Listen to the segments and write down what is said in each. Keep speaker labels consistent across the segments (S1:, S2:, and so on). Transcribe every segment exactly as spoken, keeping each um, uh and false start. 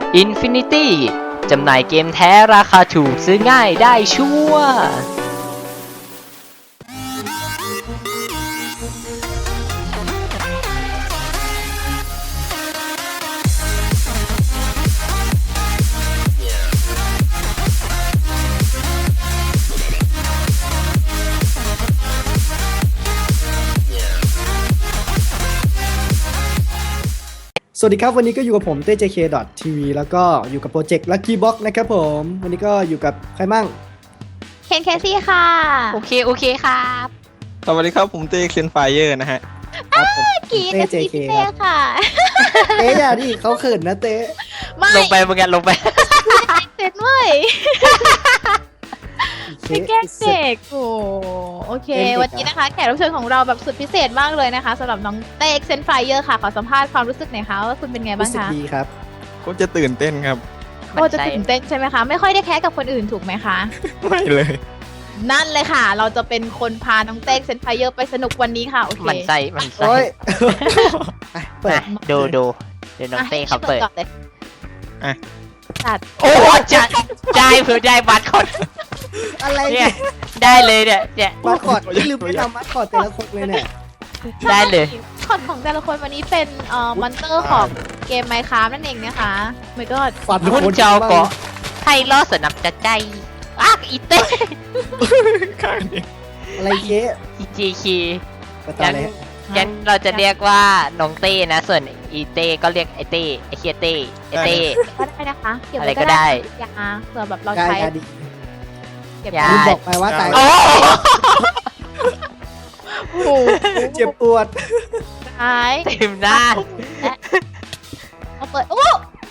S1: Infinity จำหน่ายเกมแท้ราคาถูกซื้อง่ายได้ชัวร์
S2: สวัสดีครับวันนี้ก็อยู่กับผมเต้ เจ เค ที วี แล้วก็อยู่กับโปรเจกต์ Lucky Box นะครับผมวันนี้ก็อยู่กับใครมั่ง
S3: เคนเคซี่ค่ะ
S1: โอเคโอเคครับ
S4: สวัสดีครับผมเต้เซนไฟเยอร์นะฮะ
S2: ครับผม
S3: กี
S2: เต้
S3: กับ
S2: เจ
S3: ซี
S2: เค
S3: พี่เต้ค่ะ
S2: เต้อย่าดิเขาเขินนะเต้
S3: ไม่
S1: ลงไปมึงกันลงไป
S3: เสร็จเว้ยไม่แกล้งเด็กโอ้โอเค วันนี้นะคะแขกรับเชิญของเราแบบสุดพิเศษมากเลยนะคะสำหรับน้องเต้เซนไฟเยอร์ค่ะขอสัมภาษณ์ความรู้สึกหน่อยค่ะว่าคุณเป็นไงบ้า
S2: รู้
S3: ง
S2: สึก
S3: คะ
S2: ดีครับ
S4: ก็จะตื่นเต้นครับ
S3: โอ้จะตื่นเต้นใช่ไหมคะไม่ค่อยได้แคสกับคนอื่นถูกไหมคะ
S4: ไม่เลย
S3: นั่นเลยค่ะ เราจะเป็นคนพาน้องเต้เซนไฟเยอร์ไปสนุกวันนี้ค่ะโอเค
S1: มันใส่มันใส่
S2: โอ้ยไปเปิด
S1: มาดูดูเดี๋ยวน้องเต้เขาเปิด
S3: ก่อนเลย
S4: อ่ะ
S3: จัด
S1: โอ้จะได้เผื่อได้บัตรคอด
S2: อะไร
S1: เนี่
S2: เนี่ย ย
S1: ได้เลยเนี่ยเนี่ย
S2: มาคอดที่ลืมไปทำมาคอดแต่ละคนเลยเนี่ย
S1: ได้เลย
S3: คอนของแต่ละคนวันนี้เป็นเอ่อมอนเตอร์ของเกมไมค์คราฟนั่นเองนะคะไม่ก็
S2: ฝัน
S1: คุณเจ้าเกาะให้ล่อสนับจะใจอ้ากอีเต้
S4: ข้างนี้
S2: อะไรเย้
S1: อีจีคี
S2: ประตา
S1: งั้น
S2: เลย
S1: งั้นเราจะเรียกว่าน้องเต้นะส่วนอีเต้ก็เรียกไอเต้ไอเคียเต้ไอเต้
S3: ก็ได้นะคะเก็บ
S1: อะไร
S3: ไว้
S1: ก็ได้
S3: ยาเผื่อแบบเรา
S2: กาย
S3: ใช้
S2: กายดิ
S3: เก็บ
S1: ยา
S2: ลืม
S3: ไว้
S2: บอกไปว่าตาย
S1: โอ้
S3: โอ้โห
S2: เจ็บปวด
S3: ใช้
S1: เต็มหน้า
S3: เอาเปิดโอ้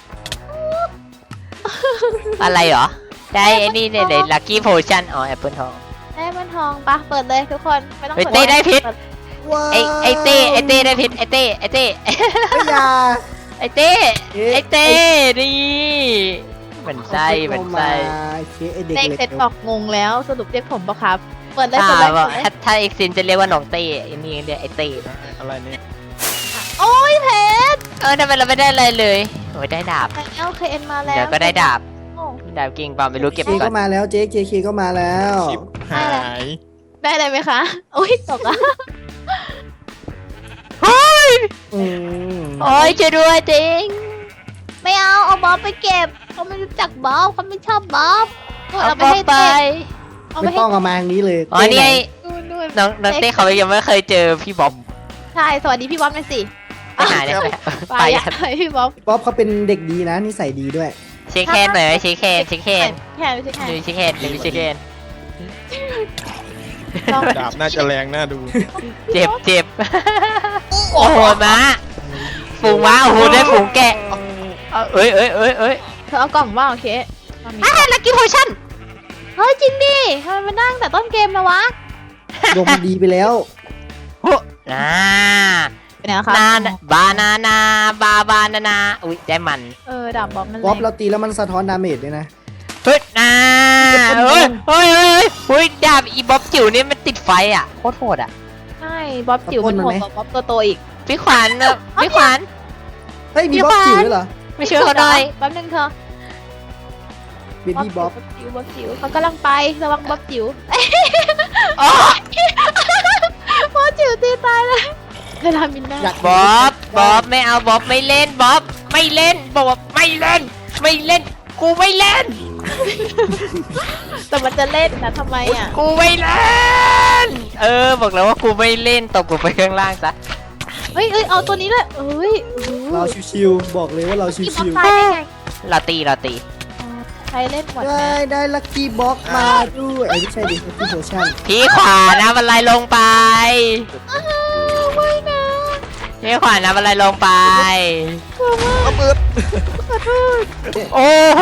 S1: อะไรเหรอได้ไอ้นี่เนี่ยเลยลัคกี้โพชั่นอ๋อแอปเปิลทอง
S3: ได้มันทองปะเปิดเลยทุกคนไม่ต้อง
S1: เฮ้ย
S3: ปิ
S1: เต้ได้พิษ
S2: ว้าว
S1: ไอไอเต้ไอเต้ได้พิษไอเต้ไอเต้
S2: ไม่อยา
S1: ไอเต้
S2: เอ๊ะ
S1: ไอเต้นี่เหมือนไส้เหมือนไส้
S2: เคไอเด็ก
S3: เด็ก
S2: เล็ก
S3: เสร็จบอกงงแล้วสรุปเรียกผมปะครับเปิดเลย
S1: ถ้า
S3: เปิดเลย
S1: ว่า
S3: เปิดเลย
S1: ถ้าถ้าเอ็กซินจะเรียกว่าน้องเต้ไอ้นี่เรียกไอเต้
S4: อะไรเนี่ย
S3: โอ้ยเพชร
S1: เออทำไมเราไม่ได้อะไรเลยโอ้ยได้ดาบ
S3: แล้วเคเอ็นมาแล้ว
S1: เดี๋ยวก็ได้ดาบ
S3: โอ้
S1: ดาบกิ่งเปล่าไม่รู้เก็บ
S2: เค
S1: ไปก่อ
S2: ก็
S1: น
S2: มาแล้วเจ๊เจเคก็มาแล้ว
S4: ชิปหาย
S3: ได้อะไรไหมคะโอ้ยตกอ่ะ
S2: อืม
S1: โอ้ยช่วยด้วยจริง
S3: ไม่เอาเอาบ๊อบไปเก็บเขาไม่รู้จักบ๊อบเขาไม่ชอบบ๊อบนู่น
S1: เอา
S3: เอาไป
S1: ไป
S3: ให้
S1: ไป
S3: เต้เอาไป
S2: ไม่
S3: ให้
S2: ต้องเอามาทางนี้เลย
S1: อ๋อนี่ไง
S3: นู่นนู่น
S1: น้องน้องเต้เขายังไม่เคยเจอพี่บ๊อบ
S3: ใช่สวัสดีพี่บ๊อบหน่อยสิ
S1: ไปหาเนี่ย
S3: ไป
S1: ไป
S3: อะไปพี่บ๊อบ
S2: ป๊อปเขาเป็นเด็กดีนะนิสัยดีด้วย
S1: เช็คแคนหน่อยไหมเช็คแคนเช็คแคน
S3: แค่ไม่ใช่แค่
S1: ดูเช็คแคนดูเช็คแคน
S3: ลอง
S4: ดาบน่าจะแรงน่าดู
S1: เจ็บเจ็บโอ้โหม้าฝูงม้าโอ้โหได้ฝูงแกะเอาเอ้ยเอ้ยเอ้ยเอ้ย
S3: เธอเอากล่องว่าโอเคเอามี
S1: อ่ะลักกี้โพชั่น
S3: เฮ้ยจริงดิทำไมมานั่งแต่ต้นเกมนะวะ
S2: ดวงดีไปแล้ว
S1: โอ้น่า
S3: เป็นไงคะ
S1: นาบานานาบาบานานาอุ้ยได้มัน
S3: เออดาบบ๊อบนั่นแห
S2: ป๊อป
S3: ละ
S2: เราตีแล้วมันสะท้อนดาเมจด้วยนะ
S1: เฮ้ยนาเฮ้ยเฮ้ยเฮ้ยเฮ้ยดาบอีบ๊อบจิ๋วนี่มันติดไฟอ่ะโคตรโหดอ่ะ
S3: ใช่บ๊อบจิ๋วมันโหดกว่าบ๊อบตัวโตอีก
S1: พี่ขวัญอะพี่ขวัญ
S2: เฮ้ยมีบ๊อบจิ๋วด้วยเหรอ
S1: ไม่ช่วยเขาหน่อย
S3: แป๊บนึงเธอ
S2: เบบี้บ๊อบ
S3: จิ๋วบ๊อบจิ๋วเขากำลังไประวังบ๊อบจิ๋ว
S1: อ๋อ
S3: บ๊อบจิ๋วตีตายเลยเวลามินน่า
S2: อยาก
S1: บ๊อบบ๊อบไม่เอาบ๊อบไม่เล่นบ๊อบไม่เล่นบ๊อบไม่เล่น ไม่เล่น กูไม่เล่น
S3: แต่มันจะเล่นนะทำไมอ่ะ
S1: กูไม่เล่น เออบอกแล้วว่ากูไม่เล่นตกลงไปข้างล่างซะ
S3: เฮ้ยเอ้ยเอาตัวนี้เลยเอ้ยโอ้โห
S2: เราชิวๆบอกเลยว่าเราชิ
S3: พี่บ๊อบ
S2: ว
S3: ตายได้ไง
S1: เราตีเราตี
S3: ใครเล่นหมด
S2: ๆ
S3: นะ
S2: ได้ได้ลัคกี้บ็อกมาด้วยไอ้ไม่ใช่ดิลัคกี้โพชั่น
S1: พี่ขวานะบันไลลงไป
S3: ไม่นะ
S1: พี่ขวานะบันไลลงไป
S4: เอาเปิด
S1: โอ้โห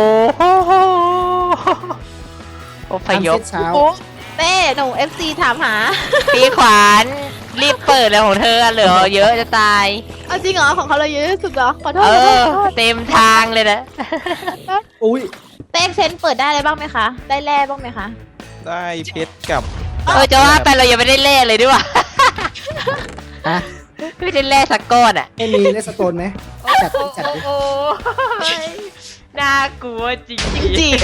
S1: โอ้พยพ
S2: ทำเซตเช้า
S3: โอ้เต้หนูเอฟซีถามหา
S1: พี่ขวานรีบเปิดเลยของเธอเหลือเยอะจะตาย
S3: เอาจริงเหรอของเขาเราเยอะที่สุดเหรอขอโทษ
S1: เอ
S3: ขอโทษ
S1: อ
S3: ขอโทษ
S1: เต็มทางเลยนะ
S2: อุ้ย
S3: เต้เซนเปิดได้อะไรบ้างไหมคะได้แร่บ้างไหมคะ
S4: ได้เพชรกับ
S1: เออจะว่าไปเรายังไม่ได้เล่เลยด้วยว่ะ
S2: ฮะ
S1: ไม่ได้เล่สักก้อนอ่ะ
S2: ไม่มีเลสโตนไหม
S3: โอ้
S2: จัดดิจัดดิ
S1: โอ้ยน่ากลัวจริง
S3: จริง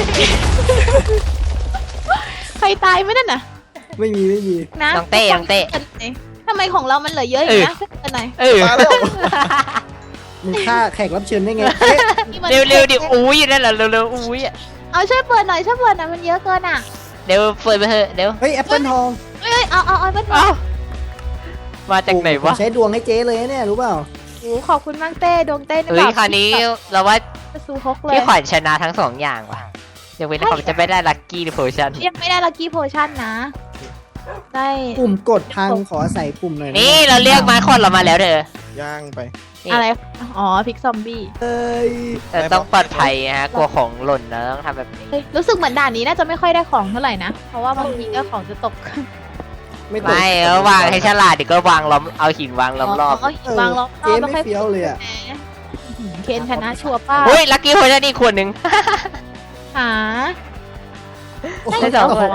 S3: ใครตายไหมนั่นน่ะ
S2: ไม่มีไม่มี
S3: นะ
S1: น้องเต้น้องเต้
S3: ทำไมของเรามันเหลือเยอะอย่างนี้นะเป็นไหน
S1: เออ
S4: มาแล้ว
S2: มึงฆ่าแขกรับเชิญได้ไงเอ๊ะ
S1: เร็วเร็วๆดิอุ้ยนั่นแหละเร็วเร็วๆอุ้ยอะ
S3: เอาช่วยเปิดหน่อยช่วยเปิดหน่อยมันเยอะเกินอ่ะ
S1: เดี๋ยวเปิดไปเถอะเดี๋ยว
S2: เฮ้ยแอปเปิลทอง
S3: เอ้ยเอาเอาเอาเป็น
S1: เอ้ามาจากไหน
S2: ผม
S1: วะ
S2: ใช้ดวงให้เจ๊เลยนะเนี่ยรู้เปล่า
S3: โอ้ขอบคุณมากเต้ดวงเต้
S1: เฮ้ยคราวนี้เราว่า
S3: ซูฮกเลย
S1: พี่ขวัญชนะทั้งสองอย่างว่ะยกเว้นเขาจะไม่ได้ลัคกี้โพชั่น
S3: ยังไม่ได้ลักกี้โพชั่นนะ ได้
S2: ปุ่มกดพังขอใส่ปุ่มหน่อยะ
S1: นี่เราเรียกมาคอนเรามาแล้วเด้อ
S4: ย่างไป
S1: นี่
S3: อะไร อ๋อพิกซอมบี้
S2: เอ้ย
S1: แต่ต้องปลอดภัยนะฮะกลัวของหล่นนะต้องทำแบบนี้
S3: เฮ้ยรู้สึกเหมือนด่านนี้น่าจะไม่ค่อยได้ของเท่าไหร่นะ เพราะว่าบางทีก็ของจะตก
S2: ไม่ตก
S1: ไม่แล้ววางให้ฉลาดเดี๋ยวก็วางล้อมเอาหินวางล้อมรอบ
S3: อ๋อหินวางล้อมร
S2: เจ๊
S3: อบแล้ว
S2: ไม่
S3: ค่อย
S2: เฟี้ยวเลยอ่ะ
S3: แหมเคนชนะชัวร์ป้า
S1: เฮ้ยลัคกี้โพชั่นอีกขวดหนึ่ง
S3: หา
S2: โอ้โห
S3: ได้สองของ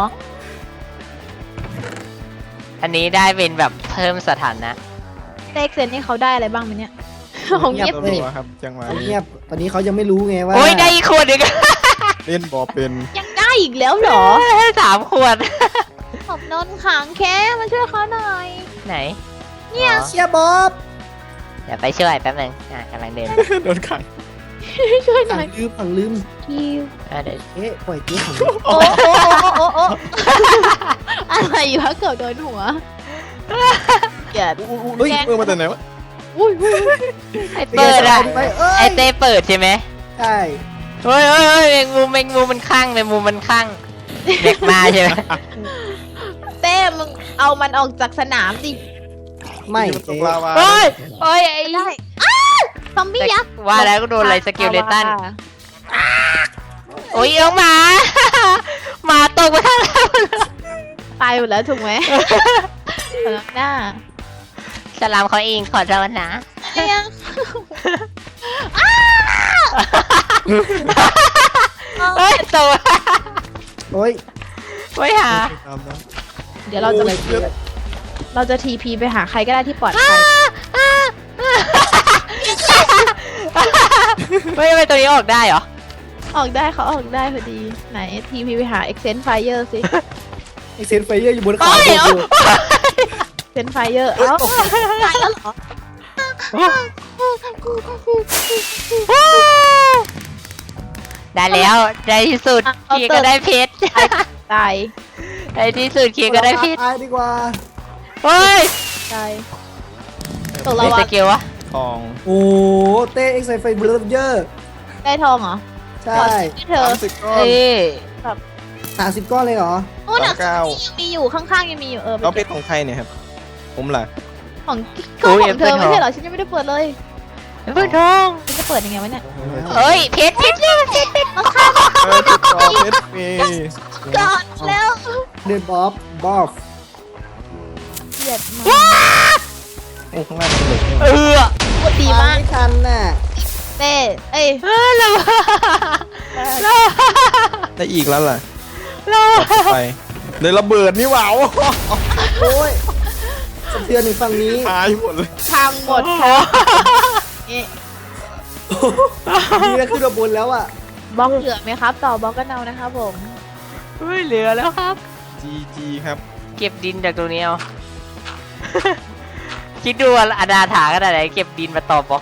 S1: อันนี้ได้เป็นแบบเพิ่มสถานะ
S3: เต็กเซนนี่เขาได้อะไรบ้างไหมเนี่ยของเงียบ
S4: ตัวรัวครับจังหวะ
S2: เขา
S4: นี้
S2: เงียบตอนนี้เขายังไม่รู้ไงว่า
S1: โอ้ยได้อีกขวดหนึ่ง
S4: เล่นบอเป็น
S3: ยังได้อีกแล้วเหรอ
S1: สามขวด
S3: ขอบนนขังแค่มาช่วยเขาหน่อย
S1: ไหน
S3: เนี่ย
S1: อ๋อ
S2: เชียร์บ๊อบ
S1: เดี๋ยวไปช่วยแป๊บนึงอ่ะกำลังเดิน
S4: โดนขัง
S3: ช่วยห
S2: ผั
S3: น่
S2: ง
S3: อย
S2: ลืมผังลืม
S3: คิว
S1: อ่ะเดี๋ยว
S2: เอ๊ะปล่อยเจ๊ผัง
S3: โอ้โอ้โอ้โอ้โอ้อะไรวะเกือบโดนหัวเกลียด
S4: อุ้ยอุ้ยเออมาแต่ไหนวะ
S3: อุ้ยอุ้ยอุ้ย
S1: ไอเปิดอ่ะ
S2: ไปเอ้
S1: ไอย เต้เปิดใช่ไหม
S2: ใช่
S1: เฮ้ยเฮ้ยเฮ้ยแมงมุมแมงมุมมันข้างแมงมุมมันข้างเด็กมาใช่ไหม
S3: เต้มึงเอามันออกจากสนามดิ
S2: ไม่
S4: ต
S2: เจ๊
S4: กลาวา
S1: เฮ้ยเฮ้ยไอ้
S3: ได้อ้าซอมบี้ยักษ์
S1: ว่าแล้วก็โดนอะไรสเกลเลตันโอ้ยน้องหมา หมาตกมาทางเรา
S3: ตายหมดแล้วถูกไหมสำหรับหน้า
S1: สลามเขาเองขอโทษนะ
S3: เนี่ย
S1: เฮ้ยตัว
S2: โอ้ย
S1: ไม่หา
S4: ตามนั้น
S3: เดี๋ยวเราจะ
S2: อะไรเจ๊
S3: เราจะทีพีไปหาใครก็ได้ที่ปลอดภัย
S1: ไม่ทำไมตัวนี้ออกได้เหรอ
S3: ออกได้เขาออกได้พอดี ไหนทีพีไปหา Extend Fire สิ
S2: ไอเซนไฟเยอร์อยู่บนเขา
S1: โอ้ย
S2: อยู่
S3: Extend Fire เอ้าตายแล้วเหรอ
S1: ได้แล้วในที่สุดเคียก็ได้เพชร
S3: ตาย
S1: ในที่สุดเคียก็ได้เพชร
S2: ตายดีกว่า
S1: เฮ้ย
S3: ตายตก
S1: เป็
S3: ลาน วา
S1: สกิลวะ
S4: ทอง
S2: โอ้เต้เอ็กไซไฟเบลเยอร์
S3: ได้ทองเหรอ
S2: ใช่
S3: ที่เธอ
S4: สามสิบก้อน
S1: เอ้ย
S2: สามสิบก้อนเลยเหรอ
S3: โอ้หนัก
S4: สามเก้า
S3: ยังมีอยู่ข้างๆยังมีอยู่เออ
S4: แล้วเป็นของใครเนี่ยครับ ผมล่ะ
S3: ของก็ของเธอไม่ใช่เหรอฉันยังไม่ได้เปิดเลย
S1: เพื่อนทอง
S3: ฉันจะเปิดยังไงวะเนี่ย
S1: เอ้ยเพชรเพชรเพชรเพชรเพชร
S3: มาฆ่า
S4: เออติดต่อเพชรมี
S3: ก่อนแล้ว
S2: เดนบ๊อบบ๊อบ
S3: เกลียดมาก
S4: โอ้ข้างล่างเป็นเหล็ก
S1: เออ
S3: ปวดดีมาก
S2: ไม่ทันน่ะ
S3: เต้เอ้ย
S1: เออเราเรา
S4: ได้อีกแล้วล่ะ
S1: เรา
S4: ต่อไปเลยระเบิดนี่หว่า
S2: โอ้ยสะเทือนในฝั่งนี้
S4: ตายหมดเลย
S3: พังหมดค่ะนี่
S2: นี่ก็ขึ้นมาบนแล้วอ่ะ
S3: บล็อกเหลือไหมครับ ต่อบล็อกกันเอานะครับผม
S1: ไม่เหลือแล้วครับ
S4: จีจีครับ
S1: เก็บดินจากตรงนี้เอา คิดดูว่าอนาถาขนาดไหนเก็บดินมาต่อบล็อก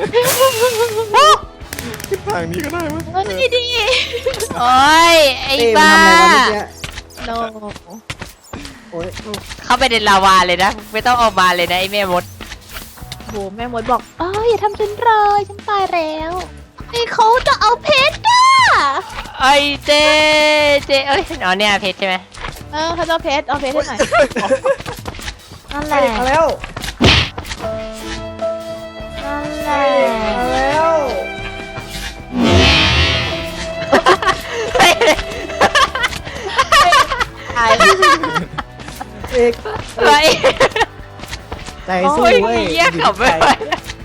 S4: ทางนี้ก็ได้มั้ย
S3: เออดีดี
S1: โอ้ยไอ้
S2: เต้มัน
S1: บ้า
S2: ทำอะไรวะเมื่อกี้
S3: โน
S2: โอ้ย
S1: เข้าไปในลาวาเลยนะ ไม่ต้องออกมาเลยนะไอ้แม่มด
S3: โหแม่มดบอกเอ้ยอย่าทำฉันเลยฉันตายแล้วไอ้เขาจะเอาเพชรอ่ะ
S1: ไอ้เจเจเอ้ยอ๋อเนี่ยเพชรใช่ไหม
S3: เออเขาจะเอาเพชรเอาเพชรให้หน่อยนั่นแหละ
S2: มาแล้ว
S3: นั่นแหละ
S2: มาแล้ว
S3: ตาย
S2: เอก
S1: ไอ้
S2: ใจสู้
S1: โอ้ย
S2: เว้ย
S1: เหี้ยขับไม่ไหว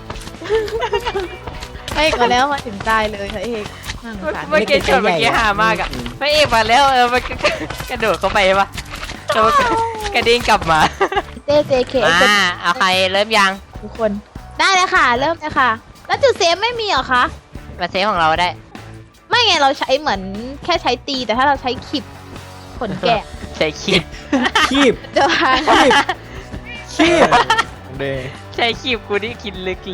S3: เฮ้ยก็แล้วมาถึงตายเลยค่ะเอกน่าสงสาร
S1: เมื่อกี้ชนเมื่อกี้หามากอ่ะพระเอกมาแล้วเออมันก็กระโดดเข้าไปปะแล้วมันก็กระเด้งกลับมา
S3: เจเจเค
S1: มาเอาใครเริ่มยัง
S3: ทุกคนได้เลยค่ะ เริ่มเลยค่ะแล้วจุดเซฟไม่มีเหรอคะ
S1: มาเซฟของเราได้
S3: ไม่ไงเราใช้เหมือนแค่ใช้ตีแต่ถ้าเราใช้ขีบขนแกะ
S1: ใช้คีบ
S2: คีบ
S3: จะพัง
S2: คีบคีบ
S4: เด
S1: ใช้คีบกูนี่กินลึกเลย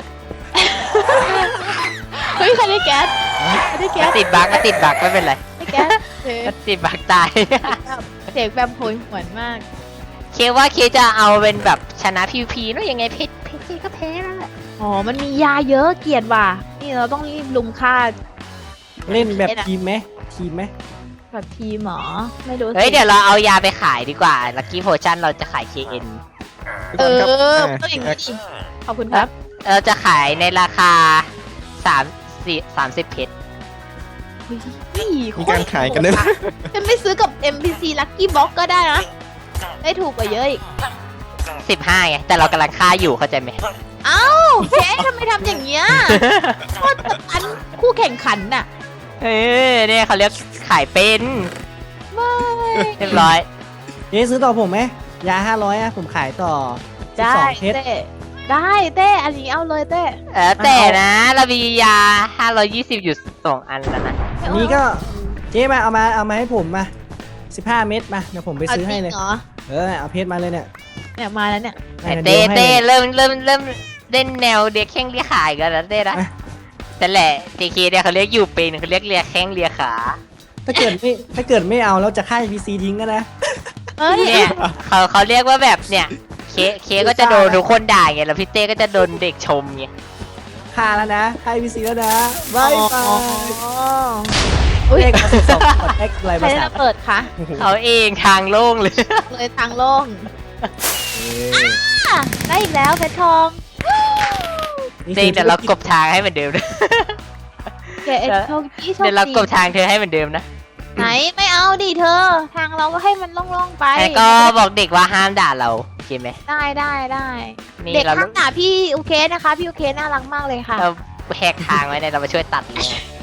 S3: เฮ้ยใครได้แก๊สใครได้แก๊
S1: มา
S3: ส
S1: ติดบั๊กมาติดบั๊กไม่เป็นไร
S3: ได้แก๊สเฮ้ย
S1: มาติดบั๊กตาย
S3: เสียงแบบโหยหวนมาก
S1: เคว่าเคจะเอาเป็นแบบชนะพีพีเนอะยังไงเพชรเพชรเคก็แพ้แล้วแหละ
S3: อ๋อมันมียาเยอะเกลียดว่ะนี่เราต้องรีบลุมฆ่า
S2: เล่นแบบทีมไหมทีมไหม
S3: แบบทีมหมอไม่รู้สิ
S1: เฮ้ยเดี๋ยวเราเอายาไปขายดีกว่าลักกี้โพชั่นเราจะขาย เค เอ็น
S3: เออ
S4: ครับ
S3: ต้องอย่างนี้ดิขอบคุณครับ
S1: เราจะขายในราคาสามสี่สามสิบเพชร
S3: เฮ้ย
S4: มีการขายกันด้วยนะ
S3: ฉันไม่ซื้อกับ เอ็ม พี ซี Lucky Box ก็ได้นะได้ถูกกว่าเยอะอีก
S1: สิบห้าไงแต่เรากำลังค่าอยู่เข้าใจไหม
S3: เอ้าเจ๊ทำไมทำอย่างเงี้ยโคตรกับอันคู่แข่งขันน่ะ
S1: เออเนี่ยเขาเรียกขายเป็น
S3: ไม่
S1: เรียบร้อย
S2: เจ๊ซื้อต่อผมไหมยาห้าร้อยอะผมขายต่อสิบ
S3: ได้
S2: สองเพชร
S3: เต้ได้เต้อันนี้เอาเลยเต้
S1: เออแต่นะเรามียาห้าร้อยยี่สิบอยู่สองอันแล้วนะ
S2: อันนี้ก็เจ๊มาเอามาเอามาให้ผมมาสิบห้าเม็ดมาเดี๋ยวผมไปซื้อให้เลย
S3: าจริงเหรอ
S2: เออเอาเพชรมาเลยเนี่ย
S3: เนี่ยมาแล้วเนี่ย
S1: แต่
S2: ดี๋
S1: เต้
S2: ยวให้
S1: เต้
S2: ลย
S1: เริ่มเริ่มเริ่มเล่นแนวเรียกแข้งเรียกขาอีกันแล้วเต้นะ
S2: อ่ะ
S1: แต่แหละ เจ เค เนี่ยเขาเรียกอยู่เป็นเขาเรียกเรียกแข้งเรียกขา
S2: ถ้าเกิดไม่ถ้าเกิดไม่เอาแล้วจะฆ่าพีซีทิ้งกันนะ
S3: เอ้ย
S1: เนี่ยเขาเขาเรียกว่าแบบเนี่ยเคเคก็จะโดนทุกคนด่าไงแล้วพี่เต้ก็จะโดนเด็กชมไง
S2: ฆ่าแล้วนะฆ่าพีซีแล้วนะบายบา
S3: อ๋อย อุ้ย
S2: เลขมาสิบสองกด X อะไร
S3: ใคร
S2: ภา
S3: ได้
S2: ษา
S3: ระเปิดคะ
S1: เขาเองทางโล่งเลย
S3: เลยทางโล่งอ่ะได้อีกแล้วเพชรทอง
S1: เต้แต่เรากบทางให้เหมือนเดิมนะ
S3: เจ๊โชคดีโชค
S1: เดี๋ยวเราก
S3: ดี
S1: บทางเธอให้เหมือนเดิมนะ
S3: ไหนไม่เอาดิเธอ ทางเราก็ให้มันโล่งๆไป
S1: แต่ก็บอกเด็กว่าห้ามด่าเราโอเคไหม
S3: ได้ได้ได้
S1: นี่
S3: เด็ก
S1: เรา
S3: ข้างหน้าพี่โอเคนะคะ พี่โอเคน่ารักมากเลยค่ะ
S1: เราแหกทางไว้เนี่ยเรามาช่วยตัดเลย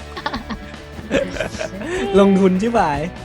S2: ลงทุนใช่ไหม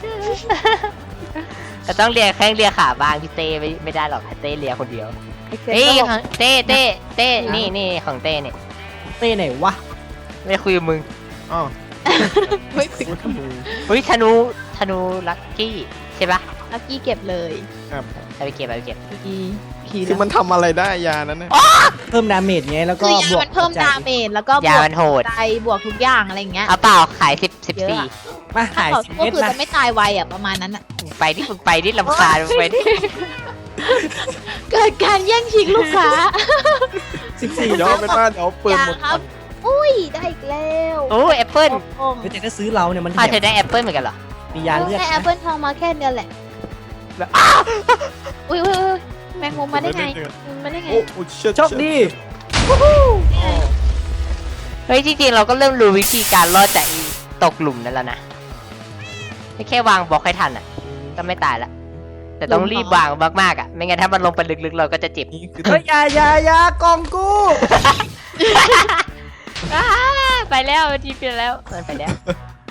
S1: แต่ต้องเลียแข้งเลียขาบ้างพี่เต้ไม่ไม่ได้หรอกเต้เลียคนเดียว
S3: เอ็กเซ
S1: เฮ้ย
S3: นก็บอก
S1: ของเต้เต้เต้นี่นี่ของเต้เนี่ย
S2: เต้ไหนวะ
S1: ไม่คุยกับมึง
S4: อ๋อ
S3: ไม่คุย
S4: โอ้ยธนู
S1: เฮ้ยธนูธนูลักกี้ใช่ปะ
S3: ลักกี้เก็บเลย
S4: ครับ
S1: เอาไปเก็บเอาไปเก็บ
S3: ดีขี
S4: คือมันทำอะไรได้ยานั้นนะ
S2: เพิ่มดาเมจไงแล้วก็
S3: คือยา
S2: บวก
S3: มันเพิ่ม
S2: ใจ
S3: ดาเมจแล้วก็บ
S1: ยาว
S3: ก
S1: มันโหด
S3: ใจบวกทุกอย่างอะไรอย่างเงี้ย
S1: เอาเปล่าขายสิบสิบ
S3: เยอะ
S1: สี่
S3: อะ
S2: มา
S3: ถ้า
S2: ขาย
S3: เขา
S2: สิบ
S3: ก็
S2: เม็ด
S3: คือ
S2: นะ
S3: จะไม่ตายไวอ่ะประมาณนั้นอ่ะ
S1: ไปดิมึงไปดิลำคาญมึงไปดิ
S3: เกิดการแย่งชิงลูกค้า
S2: สิบสี่
S4: เดี๋ยวเป็นว่าเดี๋ยวเปิด
S3: อย่า
S4: หมด
S3: ครับ อุ้ยได้อีกแล้ว
S1: โอ้แอปเปิ้ล
S3: โอ้โห
S2: แต่ถ้าซื้อเราเนี่ยมัน
S1: อ้าว
S2: แถ
S1: เธอ
S2: ม
S1: ได้แอปเปิ้ลเหมือนกันเหรอ
S2: มียาเลือด
S3: ได้แอป
S2: นะ
S3: เปิลทองมาแค่เดียวแหละ
S1: แบบอ้าว
S3: อุ้ยอุ้ยอุ้ยแมงมุมมาได้ไงมาได้ไง
S4: โอ้โหเชิด
S2: โชคดี
S1: เฮ้ยจริงๆเราก็เริ่มรู้วิธีการรอดจากอีตกหลุมนั่นแล้วนะไม่แค่วางบล็อกให้ทันอ่ะก็ไม่ตายละแต่ต้องรีบวางมากๆอ่ะไม่งั้นถ้ามันลงไปลึกๆเราก็จะเจ็บ
S4: นี่คือ
S2: เฮ้ยอยาอยาอยากองกู
S1: อ้าไปแล้วทีไปแล้วมันไปแล้ว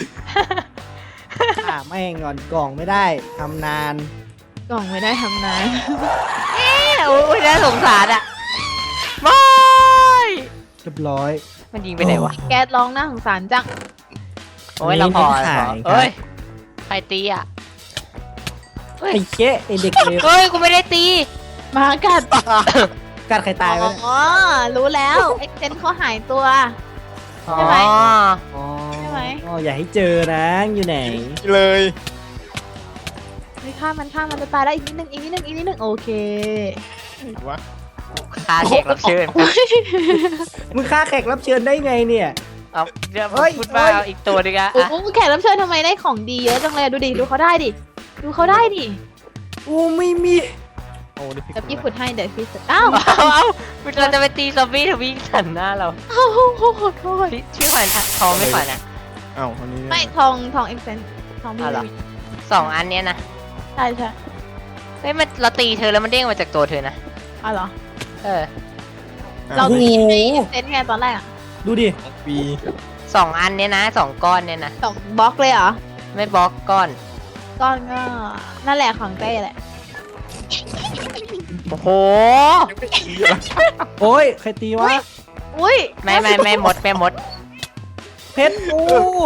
S2: อ่าไม่งอนกล่องไม่ได้ทำนาน
S3: กล่องไม่ได้ทำนาน
S1: โอ้ยน่าสงสารอ่ะไม่
S2: เรียบร้อย
S1: มันยิงไปไหนวะ
S3: แก๊สร้องน่าสงสารจัง
S1: โอ้ยเราพอ
S2: ไม่ได้
S1: เราพอ
S2: ขายครับ
S1: เฮ้ยใครตีอ่ะ
S2: ไอ้เจ๊ไอ้เด็กเลว
S1: เฮ้ยกูไม่ได้ตี
S3: มากัด
S2: กัดใครตายไปเนี่ย
S3: อ๋อ รู้แล้วเอ็กเซนเขาหายตัว
S1: อ๋อ
S3: ใช่ไหม
S2: อ๋อ
S3: ใช่ไหม
S2: อ๋ออย่าให้เจอนะอยู่ไหน
S4: เลย
S3: ไม่ฆ่ามันฆ่ามันจะตายแล้วอีกนิดนึงอีกนิดนึงอีกนิดนึงโอเค
S4: วะ
S1: คาแขกรับเชิญ
S2: มึงฆ่าแขกรับเชิญได้ไงเนี่ย
S1: เอาเดี๋ยว
S2: เฮ้ย
S1: พูดว่า
S2: เฮ้ย
S1: เอาอีกตัวนึงอะ
S3: โอ้
S1: อ่ะ
S3: โหแขกรับเชิญทำไมได้ของดีเยอะจังเลยอะดูดิ ดูเขาได้ดิ ดูเขาได้ดิ
S2: กูไม่มี
S4: โอ้นี่
S3: เดี๋ยวพี่ขุดให้เดี๋ยวพี่ขุดอ้าว
S1: เอาเอาเราจะไปตีซอมบี้ทวิ่งสันหน้าเรา
S3: อ้าวโอ้โหโทษ
S1: พี่ชื่อขวัญทองไม่ขวัญอ่ะ
S4: เอ้าอันนี้
S3: ไม่ทองทองเอ็กเซนทองพี่
S1: เอาเหรอ สองอันเนี้ยนะ
S3: ใช่ใช่
S1: เฮ้ยมันเราตีเธอแล้วมันเด้งมาจากตัวเธอนะ
S3: เอาเหรอ
S1: เออ
S3: เรา
S2: โอ้โห
S3: ตีให้เอ็กเซนไงตอนแรกอะ
S2: ดูดิ
S4: ปี
S1: สองอันเนี้ยนะสองก้อนเนี้ยนะ
S3: สองบล็อกเลยเหรอ
S1: ไม่บล็อกก้อน
S3: ก้อนก็นั่นแหละของเต้แหละ
S1: โอ้โห
S2: โอ้ยใครตีวะ
S3: ออุ้ย
S1: ไม่ไม่ไม่หมดไม่หมด
S2: เพชรกู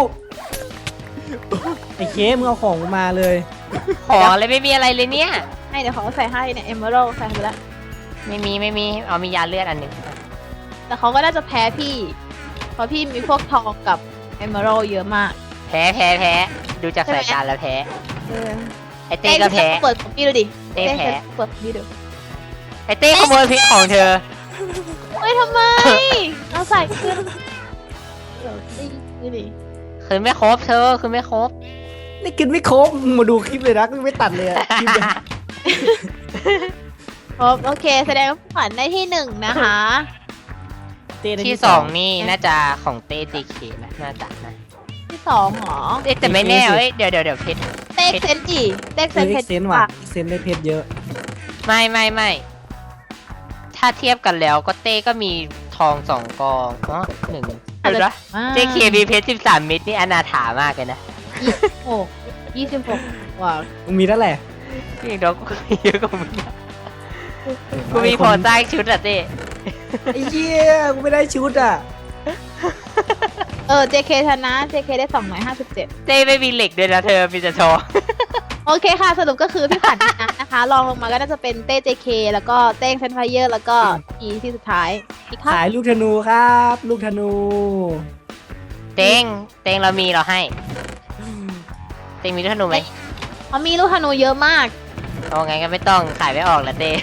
S2: ไอ้เคมึงเอาของกูมาเลย
S1: ของอะไรไม่มีอะไรเลยเนี่ย
S3: ให้เดี๋ยวเขาใส่ให้เนี่ยเอเมอรัลใส่ไปแล้ว
S1: ไม่มีไม่มีเอามียาเลือดอันหนึ่ง
S3: แต่เขาก็น่าจะแพ้พี่ เพราะพี่มีพวกทองกับเอเมอรัลเยอะมาก
S1: แพ้แพ้แพ้ดูจากสายตาแล้วแพ้
S3: เออ
S1: ไอเต้ก็แพ้
S3: เปิดของพี่ดูดิ
S1: เต้แพ้
S3: เปิดของพี่ดู
S1: ไอเต้ขโมยพริกของเธอ
S3: เฮ้ยทำไม เอาใส่ขึ้นเดี๋ยวดิดูดิ
S1: คือไม่ครบเธอคือไม่ครบ
S2: นี่กินไม่ครบมึงมาดูคลิปเลยนะไม่ตัดเลยอะคลิปเนี่ย
S3: ครบโอเค แสดงว่าขวัญได้ที่หนึ่งนะคะ
S2: เต้ได้
S1: ที่สองนี่น่าจะของเต้เจเคนะน่าจะนะ
S3: ที่สองเหรอ
S1: เอ๊ะแต่ไม่แน่เอ้ยเดี๋ยวเดี๋ยวเดี๋ยวเพชร
S3: เต็กเซนจีเต็กเซ
S2: เซ็น
S3: นเพชร
S2: เซนว่ะเซนได้เพชรเยอะ
S1: ไม่ไม่ไม่ถ้าเทียบกันแล้วก็เต้ก็มีทองสองกองอ๋อหนึ่งเดี๋ยวนะเจเคมีเพชรสิบสามเม็ดนี่อนาถามากเลยนะ
S3: หกยี่สิบหกว้าว
S2: มึงมีเท่าไหร่
S1: จริงๆแล้วกูมีเยอะกว่ามึงอะกูมีพอสร้างชุดอะเต้
S2: ไอ้เหี้ยกูไม่ได้ชุดอ่ะ
S3: เออ เจ เค ชนะ เจ เค ได้สองร้อยห้าสิบเจ็ด
S1: เต้ไม่มีเหล็กด้วยนะเธอมีแต่ทอง
S3: โอเคค่ะ สรุปก็คือพี่ขวัญชนะนะคะ รองลงมาก็น่าจะเป็นเต้ เจ เค แล้วก็เต้งเซนไฟเยอร์แล้วก็อีที่สุดท้ายอีกค่ะ
S2: ขายลูกธนูครับ ลูกธนู
S1: เต้งเต้งเรามีเราให้เต้งมีลูกธนูไหม
S3: เขามีลูกธนูเยอะมาก
S1: เอาไงก็ไม่ต้องขายไม่ออกละเต้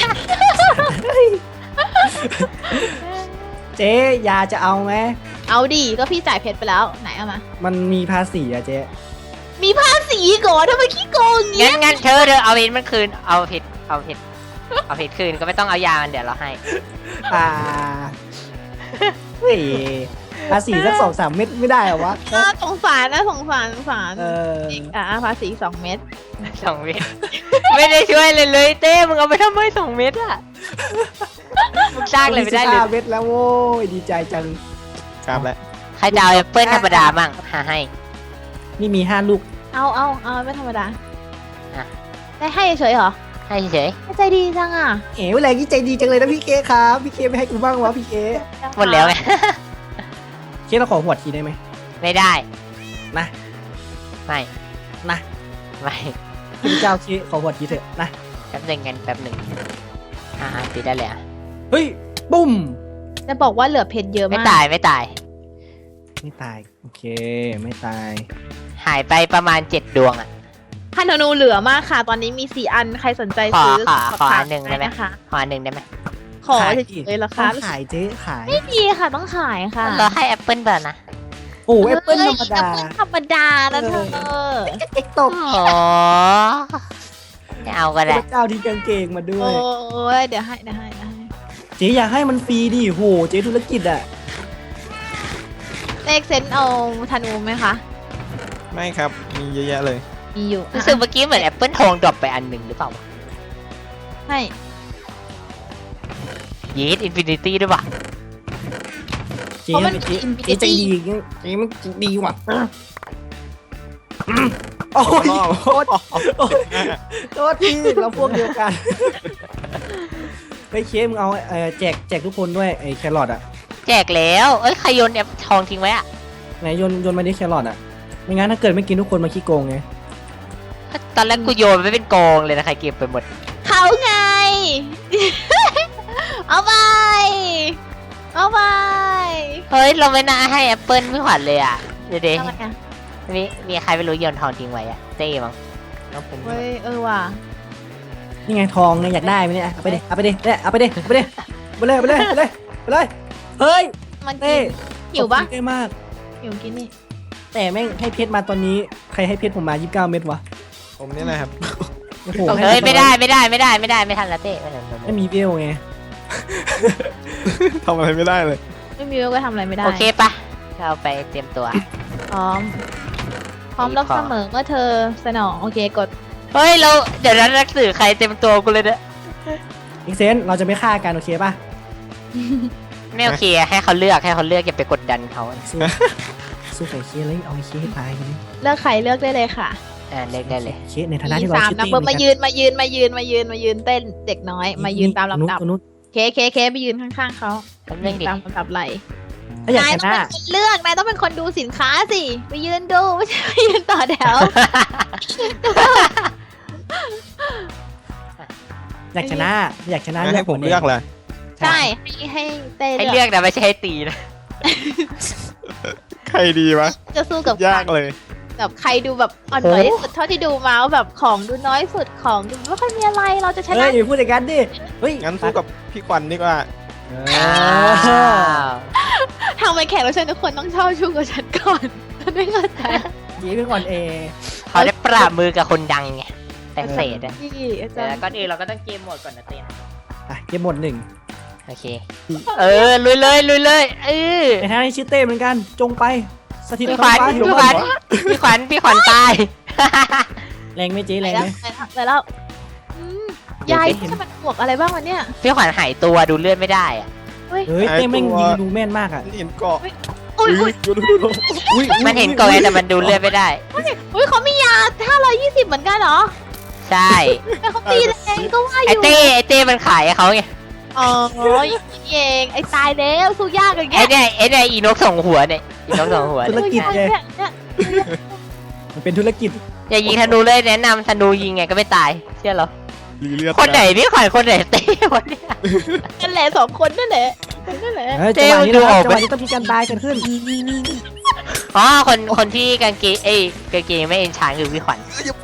S2: เจ๊ยาจะเอาไหม
S3: เอาดีก็พี่จ่ายเพชรไปแล้วไหนเอามา
S2: มันมีภาษีอะเจ๊
S3: มีภาษีก่อนทำไมขี้โกงอย่าง
S1: งั้
S3: เงี้
S1: น
S3: ย
S1: งั้นเธอเธอเอาเพชรมันคืนเอาเพชรเอาเพชรเอาเพชรคืนก็ไม่ต้องเอายามันเดี๋ยวเราให้
S2: อ่าเฮ้ยภาษีสักสองสามเม็ดไม่ได้เหรอวะ
S3: เออสงสารนะสงสารสงสาร
S2: เออ
S3: อ่ะภาษีสองเม็ด
S1: สองเม็ดไม่ได้ช่วยเลยเลยเต้มึงเอาไปทำไมสองเม็ดอะมึงสร้างเลยไม่ได้เลย
S2: สิบห้าเม็ดแล้วโว้ยดีใจจัง
S4: ครับแล้ว
S1: ใครจะเอาแอปเปิ้ลธรรมดามั่งหาให้
S2: นี่มีห้าลูก
S3: เอาเอาเอาไม่ธรรมดา
S1: อ่ะ
S3: ได้ให้เฉยๆเหรอ
S1: ให้เฉย
S3: ใจดีจังอ่ะ
S2: เอ๋เวลานี้ใจดีจังเลยนะพี่เคครับ พี่เคไม่ให้กูบ้างวะพี่เค
S1: หมดแล้วไง
S2: เคเราขอหัวดทีได้ไหม
S1: ไม่ได้
S2: นะ
S1: ไม่
S2: นะ
S1: ไม่
S2: พี่เจ้าเคขอหัวดทีเถอะนะ
S1: แป๊บหนึ่งกันแป๊บหนึ่งอ่าตีได้เลยอ่ะ
S2: เฮ้ยปุ้ม
S3: จะบอกว่าเหลือเพชรเยอะ
S1: ไม่
S3: มาก
S1: ตายไม่ตาย
S2: ไม่ตายโอเคไม่ตาย
S1: หายไปประมาณเจ็ดดวงอ่ะ
S3: พันธนูเหลือมากค่ะ ตอนนี้มีสี่อันใครสนใจ
S1: ขอ
S3: ซื้อ
S1: ขอ
S3: สบ
S1: ขอ
S3: ถา
S1: อั
S3: ม
S1: นหนึ่งได้ไหม
S3: นะคะ
S1: ขออันหนึ่งได้ไหม
S3: ขอ
S2: ขาย
S3: เฉ
S2: ดิ
S3: ยๆเหรอ
S2: ต้
S3: คะ
S2: องขายเจ๊ขาย
S3: ไม่มีค่ะต้องขายค่ะ
S1: เราให้แอปเปิ้ลเปล่านะ
S2: โอ้แอปเปิ้ลธรรมดา
S3: แอปเปิ้ลธรรมดานะเธอ
S2: เอ็กตก
S1: อ๋อไม่เอาก็
S2: พ
S1: ได้
S2: ระเจ้าที่กางเกงมาด้ว
S3: โอ้
S2: ย
S3: ยเดี๋ยวให้เดี๋ยวให้เดี๋ยวให้
S2: เจ๊อยากให้มันฟรีดิโหเจ๊ธุรกิจอ่ะ
S3: เลขเซนเอาธนูไหมคะ
S4: ไม่ครับ มีเยอะแยะเลย
S3: มีอยู่
S1: รู้สึกเมื่อกี้เหมือนแอปเปิ้ลทองดรอปไปอันหนึ่งหรือเปล่าวะ
S3: ให้
S1: ยีดอินฟินิตี้ด้วยป่ะ
S2: เจ๊มันเจ๊เจ๊ใจดีเจ๊มันดีว่ะโอ้ยโทษโทษทีเราพวกเดียวกันเฮ้ยเคมึงเอาเออแจกแจกทุกคนด้วยไอ้แครอทอ่ะ
S1: แจกแล้วเอ้ยใครโยนแอปทองทิ้งไว้อะ
S2: ไหนโยนโยนมาดิแครอทอ่ะไม่งั้นถ้าเกิดไม่กินทุกคนมาขี้โกงไง
S1: ตอนแรกกูโยนไปเป็นกองเลยนะใครเก็บไปหมด
S3: เขาไง เอาไป เอาไป
S1: เฮ้ยเราไม่น่าให้แอปเปิ้ลพี่ขวัญเลยอ่ะเดี๋ยวเดี๋ยว
S3: ทำไมอ่ะ
S1: มีมีใครไม่รู้โยนทองทิ้งไว้อะเต้มั้งน้องเป็น
S3: เฮ้ยเออว่ะ
S2: นี่ไงทองไงอยากได้ไหมเนี่ยเอาไปดิเอาไปดิเนี่ยเอาไปดิเอาไปดิไปเลยไปเลยไปเลยไปเลยเฮ้ย
S3: มัน
S2: เต้
S3: หิวปะ
S2: ขอบคุณเต้มาก
S3: หิวกินนี่
S2: แต่แม่งให้เพชรมาตอนนี้ใครให้เพชรผมมายี่สิบเก้าเม็ดวะ
S4: ผมเนี่ยนะครับ
S2: โอ้โห
S1: เฮ้ยไม่ได้ไม่ได้ไม่ได้ไม่ได้ไม่ทันละเต้ไม่ทันละเต้
S2: ไม่มีเวลไง
S4: ทำอะไรไม่ได้เลย
S3: ไม่มีก็ทำอะไรไม่ได้
S1: โอเคปะเราไปเตรียมตัว
S3: พร้อม พร้อมรับเสมอเมื่อเธอสนองโอเคกด
S1: เฮ้ยเราเดี๋ยวนั้นนักสื่อใครเต็มตัวกูเลยเนี่ย
S2: อีกเซนเราจะไม่ฆ่ากันโอเคป่ะ
S1: ไม่โอเคให้เขาเลือกให้เขาเลือกอย่าไปกดดันเขา
S2: สู้สู้ไก่เคเลยเอาไอ้เคให้ตายกัน
S3: เลือกใครเลือกได้เลยค่ะ
S1: อ่าเลือกได้เลย
S2: เคในฐานะที่เรา
S3: สาม
S2: ชื่อ
S3: นับ
S2: เต้
S3: เบอร์มายืนมายืนมายืนมายืนมายืนเต้นเด็กน้อย มายืนตามลำดับ
S2: คนนู้น
S3: เคเคเคเคไปยืนข้างๆเขา
S1: แป๊บนึงดิ
S3: ตามลำดับไหล
S2: ถ้าอยาก
S3: นาย
S2: ช
S3: ต้อง
S2: นะ
S3: เป็นคนเลือกนายต้องเป็นคนดูสินค้าสิไปยืนดูไม่ใช่ไปยืนต่อแถว
S2: อยากชนะอยากชนะ
S4: ให้ผมเลือกเลย
S3: ใช่ให้ให้เต้
S1: ให้
S3: เลื
S1: เลื
S3: อ
S1: อก กนะไม่ใช่ให้ตีนะ
S4: ใครดีวะ
S3: จะสู้กับ
S4: ยากเลย
S3: กับใครดูแบบอ่อนไหวที่สุดเท่าที่ดูมาว่าแบบของดูน้อยสุดของดูไม่ค่อยมีอะไรเราจะช
S2: เฮ้
S3: นะ
S2: ยอย่าพูดอย่างนั้นดิเฮ้ย
S4: งั้นสู้กับพี่ขวัญดีกว่า
S2: เอ
S1: อ้า
S2: อ
S1: ว
S3: ทำไมแขกรับเชิญทุกคนต้องเช่าชูกับฉันก่อนฉันไม่เข้าใจ
S2: จีเป็นก่อนเอ
S1: เขาได้ปราบมือกับคนดังไงแต่เศษอะ
S3: พี่อาจา
S1: แต่
S3: รย์
S1: ก่อนอื่นเราก็ต้องเกมโหมดก่อนนะเต้น
S2: อ่ะเกมหมดหนึ่ง
S1: โอเค เออลุยเลยลุยเลยเออ
S2: ในทางที่ชื่อเต้เหมือนกันจงไปสถิต
S1: พี่ข
S2: ท้อ
S1: วั
S2: ง
S1: ญ
S2: ฟ้า
S1: พี่ขวัญพี่ขวัญพี่ขวัญตาย
S2: แรงไหมเจ๊
S3: ไป
S2: แรง
S3: แล้
S2: ไห
S3: ว
S2: ม
S3: ไปแล้วไปแล้วอืมยายใช่มันบวกอะไรบ้างวะเนี่ย
S1: พี่ขวัญหายตัวดูเลือดไม่ได้อะ
S2: เฮ้ยเต้แม่งยิงดูแม่นมากอ่ะ
S4: เห็นเกาะ
S3: อุ้ยอุ้ย
S4: ดูดูดู
S2: อุ้ย
S1: มันเห็นก่อนไงแต่มันดูเลือดไม่ได้
S3: อุ้ยเขามียาห้าร้อยยี่สิบเหมือนกันเหรอ
S1: ใช่
S3: แต่เขาตีแรงก็ว่าอ
S1: ไอยู่ เต้ไอเต้มันขายให้เขาไง
S3: อ๋ออย่างนี้เองไอ้ตายแล้วสู้ยากอย่าง
S1: ไอ
S3: เงี้ย
S1: เนี่ยไอเนี่ยอีนกส่งหัวเนี่ยอีนกส่งหัว
S2: ธุร
S1: เนี่ย
S2: กิจไง
S3: เนี่ยเนี่ย
S2: มันเป็นธุรกิจ
S1: อย่ายิงธนูเลยแนะนำธนูยิงไงก็ไม่ตายเชื่อเหรอ
S4: รีเลือด
S1: คนไหนพี่ขวัญคนไหนเต้วะเนี่ย
S3: นั่นแหละสองคนนั่นแหละนั่นแหละ
S2: เฮ้ย
S1: เจ๊
S2: จังหวะนี้
S1: ดู
S2: นะค
S1: อ
S2: รั
S1: อบ ก
S2: จัง
S1: ไหม
S2: หวะนี้ต้องมีการตายกันขึ้น
S1: อ๋อคนคนที่กางเกงเอ้ยกางเกงไม่เอ็นชานคือพี่ขวัญ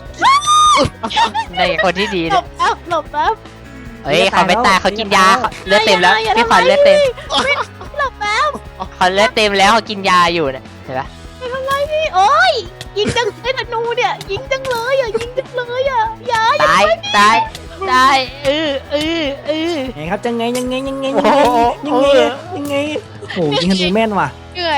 S1: ในคนที่ดี
S3: หล
S1: เนี่ย
S3: บแล้วหลบแล้ว
S1: เฮ้ยเขาไม่ตายเขากินยาเขาเลือดเต็มแล้วพี่ขวัญเลือดเต็ม
S3: หลบแล้ว
S1: เขาเลือดเต็มแล้วเขากินยาอยู่เนี่ยเห็นปะ
S3: ไม่เป็นไรพี่โอ้ยยิงจังไอ้ธนูเนี่ยยิงจังเลยอ่ะยิงจังเลยอ่ะอย่า
S1: ตายตายตายเออเออเออ
S2: ไงครับจังไงยังไงยังไง
S1: โอ้
S2: ยัง
S1: โห
S2: ไงยังไงยังไงโอ้โหยิงธนูแม่นว่ะ
S3: เหนื่อย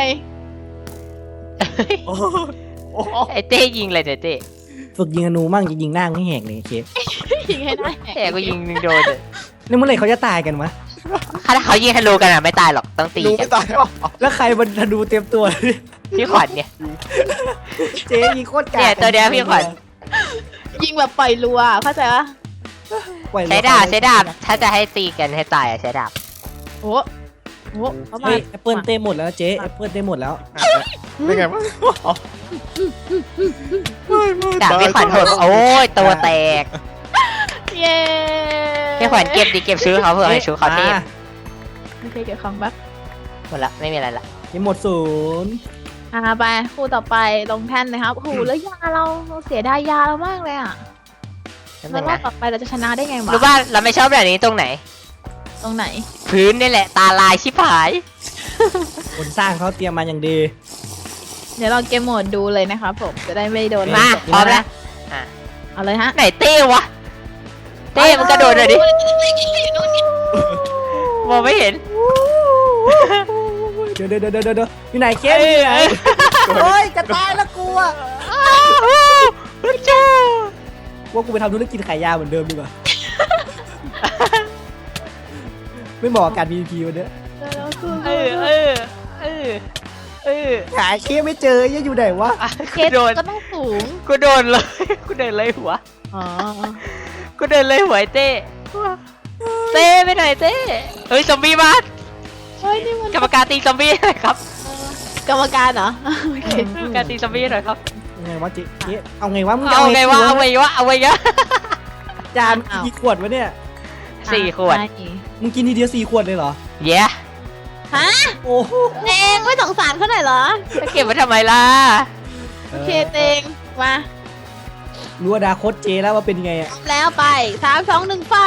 S1: ไอเต้ยิงเลยเนี่ยเต้
S2: ฝึกยิงธนูมั่งจะยิงหน้าไม่แหกเลยเค
S3: ยิงให้ได้
S1: แต่ก็ยิงหนึ่งโดนเลย
S2: นี่เมื่อไหร่เขาจะตายกันวะ
S1: ถ้าเขายิงธนูกันอ่ะไม่ตายหรอกต้องตี
S4: ดู
S1: กั
S4: ไม่
S1: น
S4: ตาย
S2: แล้วใครมันธนูเต็มตัวเลย
S1: พี่ขวัญเนี่ย
S2: เจ๊ยิงโคตรกา
S1: เนี่ยตัวเดียวพี่ขวัญ
S3: ยิงแบบปล่อยรัวเข้าใจปะ
S2: ปล่อย
S1: ใช้ดาบใช้ดาบถ้าจะให้ตีกันให้ตายอ่ะใช้ดาบ
S3: โอ้โหเขามา
S2: เฮ้ยแอปเปิลเต็มหมดแล้วเจ๊แอปเปิลเต็มหมดแล้ว
S4: เป็นไงวะ
S1: ดาบพี่ขวัญโหดโอ้ยตัวแตก
S3: เย้
S1: พี่ขวัญเก็บดิเก็บชื่อเขาเพื่อให้ชื่อเขาเต็ม
S2: อ่ะ
S3: โอเคเก็บของแป๊บ
S1: หมดละไม่มีอะไรละ
S2: ยังหมดศูนย์
S3: อ่าไปคู่ต่อไปลงแท่นนะครับโอ้โหแล้วยาเราเราเสียดายยาเรามากเลยอ่ะ
S1: นั่น
S3: แล้ว
S1: เอง
S3: รอบ
S1: นะ
S3: ต่อไปเราจะชนะได้ไงวะ
S1: รู้ว่าเราไม่ชอบแบบนี้ตรงไหน
S3: ตรงไหน
S1: พื้นนี่แหละตาลายชิบหาย
S2: คนสร้างเขาเตรียมมาอย่างดี
S3: เดี๋ยวเราเกมโหมดดูเลยนะครับผมจะได้ไม่โดน
S1: มาพร้อมแล้ว
S3: เอาเลยฮะ
S1: ไหนเต้วะเต้มันกระโดดเลยดิมองไม่เห็น
S2: เดี๋ยวเดี๋ยวเดี๋ยวเดี๋ยวเดี๋ยวอยู่ไหนเคสอยู่ไหนโอ้ยจะตายแล้วกูอ่ะ
S1: จ้า
S2: ว่ากูไปทำธุรกิจขายยาเหมือนเดิมดีกว่า ไม่เหมาะกับการ พี วี พี วันเนี้ย
S1: เออเออเออเออ
S2: หาเคสไม่เจอยังอยู่ไหนวะ
S3: เค
S1: กู
S3: ส
S1: โดน
S3: ก็ต้องสูง
S1: กูโดนเลยกูเดินเลยหัว
S3: อ๋อ
S1: กูเดินเลยหัวไอ้เต้เต้ไปไหนเต้เฮ้ยซอมบี้มา
S3: เฮ้ยนี่มัน
S1: กรรมการตีซอมบี้หน่อยครับ
S3: กรรมการเหรอโอเค
S1: กรรมการตีซอมบี้หน่อยครับ
S2: ยังไงวะเจ๊เจ๊เอาไงวะมึงจะ
S1: เอาไงวะเอา
S2: ไง
S1: ไงวะเอาไงวะ
S2: จานกี่ขวดวะเนี่ย
S1: สี่ขวด
S3: ใช่
S2: มึงกินทีเดียวสี่ขวดเลยเหรอ
S1: เย้
S3: ฮะ
S2: โอ้โห
S3: เตงไม่สงสารเขาหน่อยเหรอ
S1: จะเก็บไว้ทำไมล่ะ
S3: โอเคเตงมา
S2: รู้อนาคตเจ๊แล้วว่าเป็นยังไงอ่ะ
S3: แล้วไปสามสองหนึ่งไฟ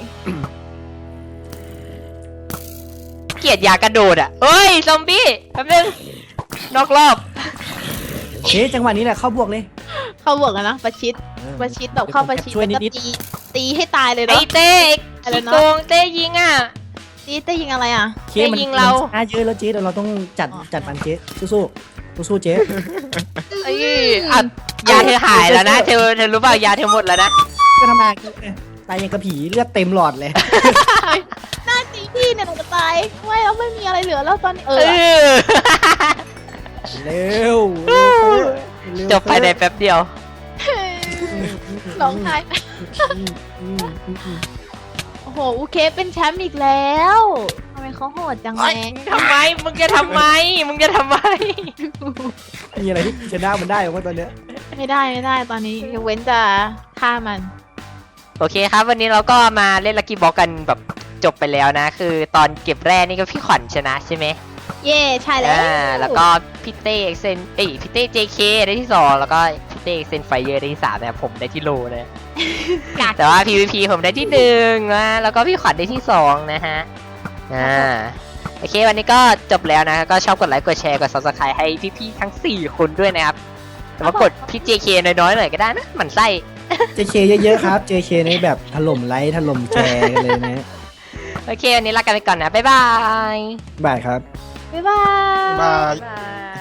S1: เกลียดยากระโดดอ่ะเอ้ยซอมบี้แป๊บนึงนอกรอบ
S2: เจ๊จังหวะนี้แหละเข้าบวกเลย
S3: เข้าบวกกันนะประชิดประชิดแบบเข้าประชิด
S2: ช่วย
S3: แล้วก็
S2: นิด
S3: ตีตีให้ตายเลย
S1: ไอ้
S3: เนาะ
S1: เต้
S3: อะไร
S1: ขี้
S3: นะ
S1: โกงเต้ยิงอ่ะ
S3: ตีเต้ยิงอะไรอ่ะ
S2: ๆเคสมัน
S1: ยิงเรา
S2: มันช้าเยอะแล้วเจ๊เดี๋ยวเราต้องจัดจัดมันเจ๊สู้ๆสู้ๆเจ๊
S1: ไอ้อ่ะยาเธอหายแล้วนะเธอเธอรู้เปล่ายาเธอหมดแล้วนะ
S2: ก็ทำงานตายยังกระผีเลือดเต็มหลอดเลย
S3: หน้าตีพี่เนี่ยหนูจะตายไม่แล้วไม่มีอะไรเหลือแล้วตอนนี้เอ
S1: เอ
S3: อ
S1: อ
S2: เร็วเร็ว
S1: จบภายในแป๊บเดียว
S3: ร้องไห้
S2: อืมอืมอืมอืม
S3: โอ้โหโหอูเคเป็นแชมป์อีกแล้วทำไมเขาโหดจังเล
S1: เอ้
S3: ย
S1: ยทำไมมึงจะทำไมมึงจะทำไม
S2: มีอะไรที่ชนะมันได้บ้างตอนเนี้ย
S3: ไม่ได้ไม่ได้ตอนนี้ยกเว้นจะฆ่ามัน
S1: โอเคครับ วันนี้เราก็มาเล่นลักกี้บ็อกกันแบบจบไปแล้วนะ คือตอนเก็บแร่นี่ก็พี่ขวัญชนะใช่ไหม
S3: เย่ใช่แล้ว
S1: อ่าแล้วก็พี่เต้เอ็กเซนเอ้ยพี่เต้ เจ เค ได้ที่สองแล้วก็พี่เต้เอ็กเซนไฟเยอร์ได้ที่สามแต่ผมได้ที่โลเลย
S3: กาก
S1: แต่ว่า พี วี พี ผมได้ที่หนึ่งนะแล้วก็พี่ขวัญได้ที่สองนะฮะอ่าโอเควันนี้ก็จบแล้วนะก็ชอบกดไลค์กดแชร์กด ซับสไครบ์ ให้พี่ๆทั้งสี่คนด้วยนะครับแต่ว่ากดพี่ เจ เค น้อยๆหน่อยก็ได้นะหมั่นไส้
S2: เจเคเยอะๆครับ เจเคในแบบถล่มไลค์ถล่มแชร์กันเลยนะ
S1: โอเควันนี้ลากันไปก่อนนะบ๊ายบาย
S2: บายครับ
S3: บ๊ายบาย
S4: บาย
S1: บาย